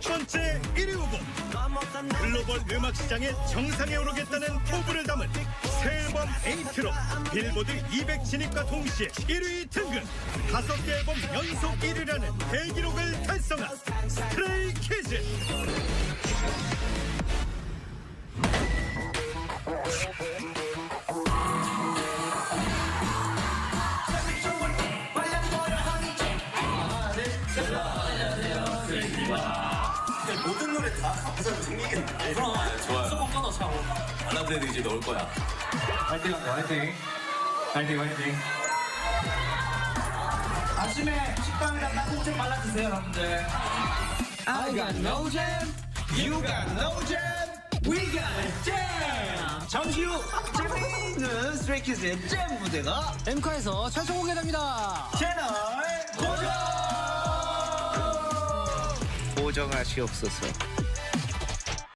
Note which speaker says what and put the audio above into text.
Speaker 1: 첫 번째 1위 후보, 글로벌 음악 시장의 정상에 오르겠다는 포부를 담은 새 앨범 에이트로 빌보드 200 진입과 동시에 1위 등극, 5개 앨범 연속 1위라는 대기록을 달성한 스트레이키즈.
Speaker 2: 모든 노래 다 가사가 생기겠네.
Speaker 3: 그럼
Speaker 2: 좋아요.
Speaker 3: 수고 끊어 차고.
Speaker 2: 발라드에도 이제 넣을 거야.
Speaker 3: 화이팅 화이팅 화이팅 화이팅.
Speaker 4: 아침에 식빵이랑 땅콩 발라주세요, 여러분들. I got no jam, you got no jam, we got a jam. 잠시 후 재미있는 스트레이키즈의 잼 무대가
Speaker 5: 엠카에서 최초 공개됩니다.
Speaker 4: 채널 고정.
Speaker 6: 고정하시옵소서.